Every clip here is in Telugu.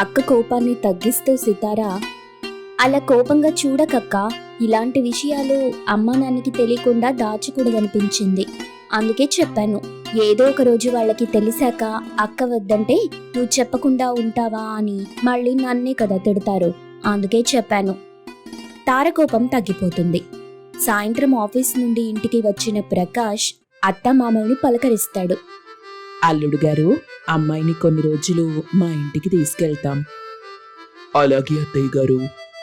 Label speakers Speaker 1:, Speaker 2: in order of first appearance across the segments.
Speaker 1: అక్క కోపాన్ని తగ్గిస్తూ సితారా, అలా కోపంగా చూడకక్క, ఇలాంటి విషయాలు అమ్మా నాన్నకి తెలియకుండా దాచకూడదనిపించింది. అందుకే చెప్పాను. ఏదో ఒక రోజు వాళ్ళకి తెలిసాక అక్క వద్దంటే నువ్వు చెప్పకుండా ఉంటావా అని మళ్ళీ నన్నే కదా తిడతారు. అందుకే చెప్పాను. తార కోపం తగ్గిపోతుంది. సాయంత్రం ఆఫీస్ నుండి ఇంటికి వచ్చిన ప్రకాష్ అత్తమామల్ని పలకరిస్తాడు.
Speaker 2: అల్లుడు గారు, అమ్మాయిని కొన్ని రోజులు మా ఇంటికి తీసుకెళ్తాం. అలాగే అత్తయ్య గారు.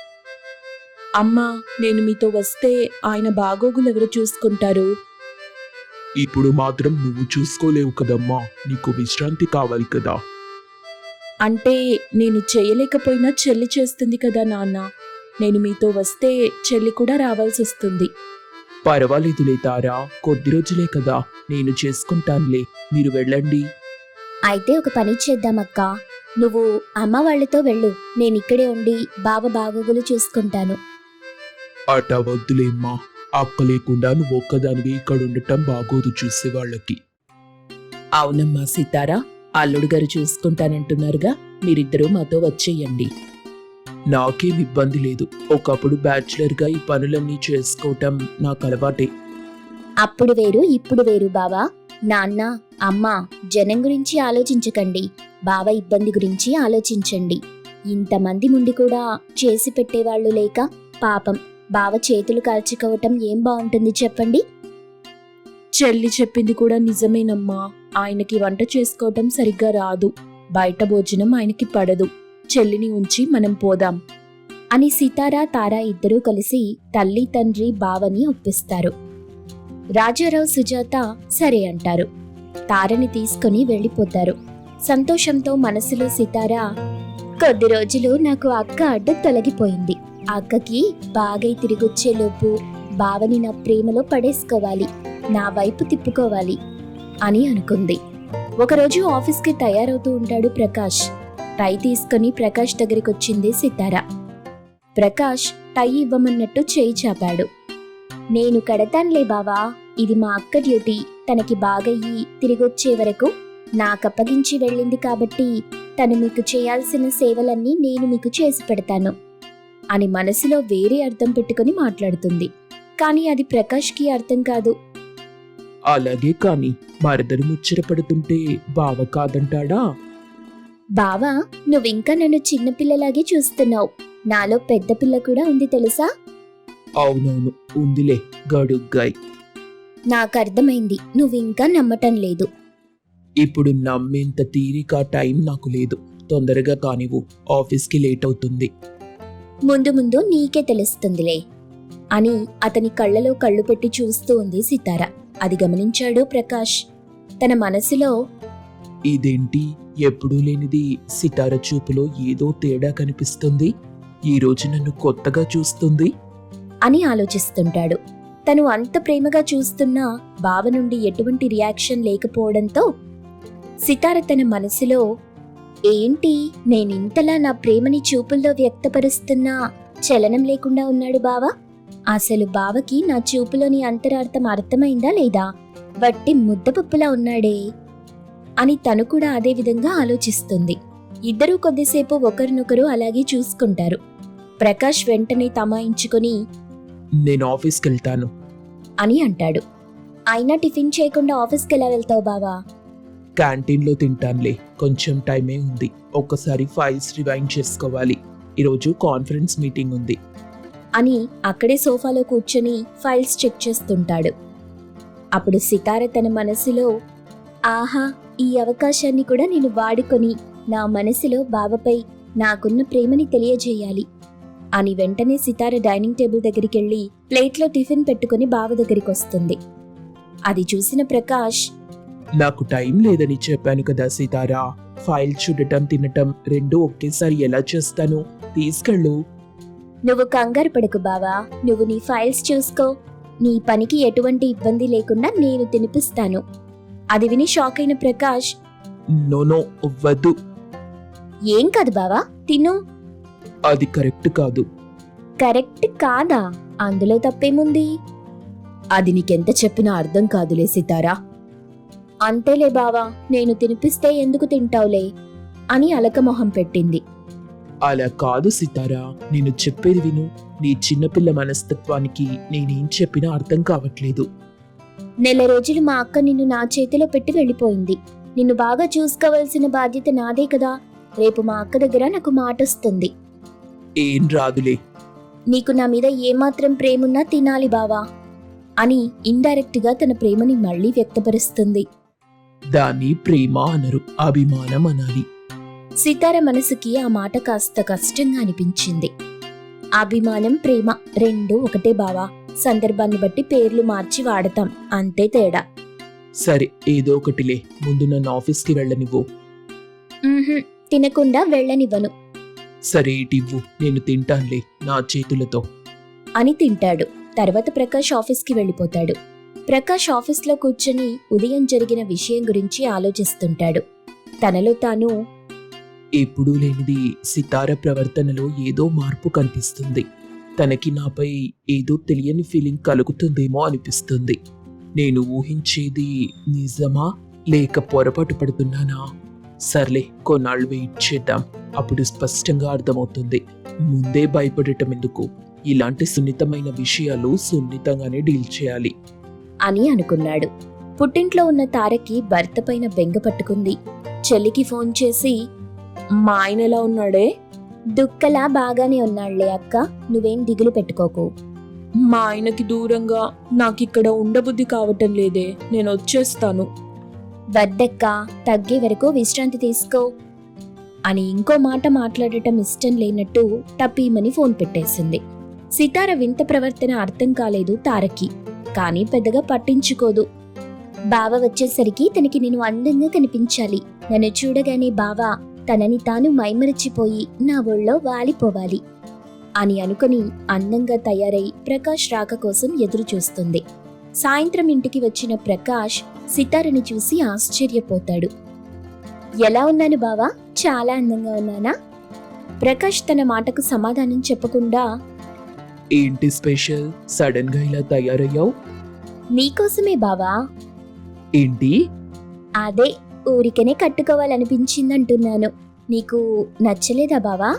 Speaker 2: అమ్మా, నేను మీతో వస్తే ఆయన బాగోగులు ఎవరు చూసుకుంటారు?
Speaker 3: ఇప్పుడు మాత్రం నువ్వు చూసుకోలేవు కదమ్మా, నీకు విశ్రాంతి కావాలి కదా.
Speaker 2: అంటే నేను చేయలేకపోయినా చెల్లి చేస్తుంది కదా నాన్న. నేను మీతో వస్తే చెల్లి కూడా రావాల్సి వస్తుంది.
Speaker 3: పర్వాలేదులే తారా, కొద్ది రోజులే కదా, నేను చేసుకుంటానులే, మీరు వెళ్ళండి.
Speaker 1: అయితే ఒక పని చేద్దామక్క, నువ్వు అమ్మ వాళ్ళతో వెళ్ళు, నేనిక్కడే ఉండి బావ బాగోగులు చూసుకుంటాను.
Speaker 3: అట వద్దులేమ్మా, అక్క లేకుండా నువ్వు ఒక్కదానివి ఇక్కడ ఉండటం బాగోదు చూసేవాళ్ళకి.
Speaker 2: అవునమ్మా సీతారా, అల్లుడు గారు చూసుకుంటానంటున్నారుగా, మీరిద్దరూ మాతో వచ్చేయండి.
Speaker 3: నాకేం ఇబ్బంది లేదు. ఒకప్పుడు బ్యాచులర్గా ఈ పనులన్నీ చేసుకోవటం నాకు అలవాటే.
Speaker 1: అప్పుడు వేరు ఇప్పుడు వేరు బావా. నాన్న అమ్మ జనం గురించి ఆలోచించకండి, బావ ఇబ్బంది గురించి ఆలోచించండి. ఇంతమంది ముందు కూడా చేసి పెట్టేవాళ్లు లేక పాపం బావ చేతులు కాల్చుకోవటం ఏం బాగుంటుంది చెప్పండి.
Speaker 2: చెల్లి చెప్పింది కూడా నిజమేనమ్మా. ఆయనకి వంట చేసుకోవటం సరిగ్గా రాదు, బయట భోజనం ఆయనకి పడదు. చెల్లిని ఉంచి మనం పోదాం
Speaker 1: అని సితారా తారా ఇద్దరూ కలిసి తల్లి తండ్రి బావని ఒప్పిస్తారు. రాజారావు సుజాత సరే అంటారు. తారని తీసుకుని వెళ్ళిపోతారు. సంతోషంతో మనసులో సితారా, కొద్ది రోజులు నాకు అక్క అడ్డు తొలగిపోయింది. అక్కకి బాగై తిరిగొచ్చేలోపు బావని నా ప్రేమలో పడేసుకోవాలి, నా వైపు తిప్పుకోవాలి అని అనుకుంది. ఒకరోజు ఆఫీస్కి తయారవుతూ ఉంటాడు ప్రకాష్. టై తీసుకుని ప్రకాష్ దగ్గరికొచ్చింది సితారా. ప్రకాష్ టై ఇవ్వమన్నట్టు చేయి చాపాడు. నేను కడతానులే బావా, ఇది మా అక్క డ్యూటీ, తనకి బాగయ్యి తిరిగొచ్చే వరకు నాకప్పగించి వెళ్ళింది కాబట్టి తను మీకు చేయాల్సిన సేవలన్నీ నేను మీకు చేసి పెడతాను అని మనసులో వేరే అర్థం పెట్టుకుని మాట్లాడుతుంది. కానీ అది ప్రకాష్కి అర్థం కాదు.
Speaker 3: అలాగే కాని మరదలు ముచ్చటపడుతుంటే బావ కాదంటాడా?
Speaker 1: బావా, నువ్వింకా నన్ను చిన్నపిల్లలాగే చూస్తున్నావు, నాలో పెద్ద పిల్ల కూడా ఉంది తెలుసా?
Speaker 3: అవునవును ఉందిలే గడుగ్గాయ్.
Speaker 1: నాకర్థమైంది, నువ్వింకా నమ్మటం లేదు.
Speaker 3: ఇప్పుడు నమ్మేంత తీరిక టైం నాకు లేదు. తొందరగా కానివ్వు, ఆఫీస్కి లేట్ అవుతుంది.
Speaker 1: ముందు ముందు నీకే తెలుస్తుందిలే అని అతని కళ్ళలో కళ్ళు పెట్టి చూస్తూ ఉంది సితార. అది గమనించాడు ప్రకాష్. తన మనసులో,
Speaker 3: ఇదేంటి ఎప్పుడూ లేనిది, సితార చూపులో ఏదో తేడా కనిపిస్తుంది, ఈ రోజు నన్ను కొత్తగా చూస్తుంది
Speaker 1: అని ఆలోచిస్తుంటాడు. తను అంత ప్రేమగా చూస్తున్నా బావ నుండి ఎటువంటి రియాక్షన్ లేకపోవడంతో సితార తన మనసులో, ఏంటి నేనింతలా నా ప్రేమని చూపుల్లో వ్యక్తపరుస్తున్నా చలనం లేకుండా ఉన్నాడు బావ? అసలు బావకి నా చూపులోని అంతరార్థం అర్థమైందా లేదా? వట్టి ముద్దపప్పులా ఉన్నాడే అని తను కూడా అదే విధంగా ఆలోచిస్తుంది. ఇద్దరూ కొద్దిసేపు ఒకరినొకరు అలాగే చూసుకుంటారు. ప్రకాష్ వెంటనే తమాయించుకొని,
Speaker 3: నేను ఆఫీస్కి వెళ్తాను
Speaker 1: అని అంటాడు. అయినా టిఫిన్ చేయకుండా ఆఫీస్కి ఎలా వెళ్తావు బావా?
Speaker 3: క్యాంటీన్లో తింటానులే, కొంచెం టైమే ఉంది. ఒక్కసారి ఫైల్స్ రివైండ్ చేసుకోవాలి, ఈరోజు కాన్ఫరెన్స్ మీటింగ్ ఉంది
Speaker 1: అని అక్కడే సోఫాలో కూర్చొని ఫైల్స్ చెక్ చేస్తుంటాడు. అప్పుడు సితార తన మనసులో, ఆహా, ఈ అవకాశాన్ని కూడా నేను వాడుకొని నా మనసులో బావపై నాకున్న ప్రేమని తెలియజేయాలి అని వెంటనే సితార డైనింగ్ టేబుల్ దగ్గరికెళ్ళి ప్లేట్లో టిఫిన్ పెట్టుకుని బావ దగ్గరికి వస్తుంది. అది చూసిన ప్రకాష్,
Speaker 3: నాకు టైం లేదని చెప్పాను కదా సీతారా, ఫైల్ చూడటం తినటం రెండూ ఒకేసారి ఎలా చేస్తాను, తీసుకెళ్ళు.
Speaker 1: నువ్వు కంగారు పడకు బావా, నువ్వు నీ ఫైల్స్ చూసుకో, నీ పనికి ఎటువంటి ఇబ్బంది లేకుండా నేను తినిపిస్తాను. అది విని షాక్ అయిన ప్రకాష్,
Speaker 3: నో వద్దు.
Speaker 1: ఏం కాదు బావా, తిను.
Speaker 3: అది కరెక్ట్ కాదు.
Speaker 1: కరెక్ట్ కాదా? అందులో తప్పేముంది?
Speaker 2: అది నీకెంత చెప్పినా అర్థం కాదులే సితారా.
Speaker 1: అంతేలే బావా, నేను తినిపిస్తే ఎందుకు తింటావులే అని అలకమొహం పెట్టింది.
Speaker 3: అలా కాదు సితారా, నేను చెప్పేది విను. నీ చిన్నపిల్ల మనస్తత్వానికి నేనేం చెప్పినా అర్థం కావట్లేదు.
Speaker 1: నెల రోజులు మా అక్క నిన్ను నా చేతిలో పెట్టి వెళ్ళిపోయింది. నిన్ను బాగా చూసుకోవాల్సిన బాధ్యత నాదే కదా. రేపు మా అక్క దగ్గర నాకు మాటొస్తుంది.
Speaker 3: ఏం రాదులే.
Speaker 1: నీకు నా మీద ఏమాత్రం ప్రేమున్నా తినాలి బావా అని ఇండైరెక్ట్ గా తన ప్రేమని మళ్లీ వ్యక్తపరుస్తుంది.
Speaker 3: దాన్ని ప్రేమ అనరు, అభిమానం అనాలి.
Speaker 1: సితార మనసుకి ఆ మాట కాస్త కష్టంగా అనిపించింది. అభిమానం, ప్రేమ రెండూ ఒకటే బావా. సందర్భాన్ని బట్టి పేర్లు మార్చి వాడతాం, అంతే తేడా.
Speaker 3: సరే, ఏదో ఒకటిలే. ముందు నన్ను ఆఫీస్కి వెళ్ళనివ్వు.
Speaker 1: తినకుండా వెళ్ళనివ్వను
Speaker 3: సరే, ఇటివ్వు, నేను తింటానులే నా చేతులతో
Speaker 1: అని తింటాడు. తర్వాత ప్రకాష్ ఆఫీస్కి వెళ్ళిపోతాడు. ప్రకాష్ ఆఫీస్లో కూర్చొని ఉదయం జరిగిన విషయం గురించి ఆలోచిస్తుంటాడు. తనలో తాను,
Speaker 3: ఎప్పుడూ లేనిది సితార ప్రవర్తనలో ఏదో మార్పు కనిపిస్తుంది. తనకి నాపై ఏదో తెలియని ఫీలింగ్ కలుగుతుందేమో అనిపిస్తుంది. నేను ఊహించేది నిజమా లేక పొరపాటు పడుతున్నానా? సర్లే, కొన్నాళ్ళు వెయిట్ చేద్దాం, అప్పుడు స్పష్టంగా అర్థమవుతుంది. ముందే భయపడటం ఎందుకు? ఇలాంటి సున్నితమైన విషయాలు సున్నితంగానే డీల్ చేయాలి
Speaker 1: అని అనుకున్నాడు. పుట్టింట్లో ఉన్న తారకి భర్త పైన బెంగ పట్టుకుంది. చెల్లికి ఫోన్ చేసి,
Speaker 2: మా ఆయన ఎలా ఉన్నాడే?
Speaker 1: దుక్కలా బాగానే ఉన్నాళ్లే అక్క, నువ్వేం దిగులు పెట్టుకోకు.
Speaker 2: మా ఆయనకి దూరంగా నాకిక్కడ ఉండబుద్ధి కావటం లేదే, నేను వచ్చేస్తాను.
Speaker 1: వద్దక్క, తగ్గే వరకు విశ్రాంతి తీసుకో అని ఇంకో మాట మాట్లాడటం ఇష్టం లేనట్టు టపీమని ఫోన్ పెట్టేసింది. సితార వింత ప్రవర్తన అర్థం కాలేదు తారకి, కానీ పెద్దగా పట్టించుకోదు. బావ వచ్చేసరికి తనకి నేను అందంగా కనిపించాలి. నన్ను చూడగానే బావ తనని తాను మైమరచిపోయి నా ఒళ్ళో వాలిపోవాలి అని అనుకుని అందంగా తయారై ప్రకాష్ రాక కోసం ఎదురు చూస్తుంది. సాయంత్రం ఇంటికి వచ్చిన ప్రకాష్ సితారని చూసి ఆశ్చర్యపోతాడు. ఎలా ఉన్నాను బావా? చాలా అందంగా ఉన్నానా? ప్రకాష్ తన మాటకు సమాధానం చెప్పకుండా,
Speaker 3: ఏంటి స్పెషల్? సడన్ గా ఇలా తయారయ్యావు?
Speaker 1: నీకోసమే బావా.
Speaker 3: ఏంటి?
Speaker 1: అదే, ఊరికనే కట్టుకోవాలనిపించిందంటున్నాను. నీకు నచ్చలేదా బావా?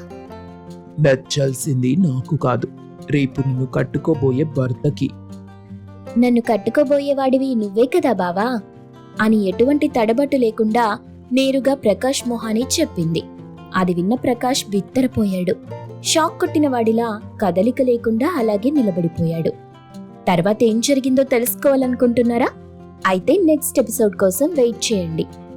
Speaker 3: నచ్చాల్సింది నాకు కాదు, రేపు నిన్ను కట్టుకోబోయే భర్తకి.
Speaker 1: నన్ను కట్టుకోబోయేవాడివి నువ్వే కదా బావా అని ఎటువంటి తడబట్టు లేకుండా నేరుగా ప్రకాష్ మొహాని చెప్పింది. అది విన్న ప్రకాష్ బిత్తరపోయాడు. షాక్ కొట్టిన వాడిలా కదలిక లేకుండా అలాగే నిలబడిపోయాడు. తర్వాత ఏం జరిగిందో తెలుసుకోవాలనుకుంటున్నారా? అయితే నెక్స్ట్ ఎపిసోడ్ కోసం వెయిట్ చేయండి.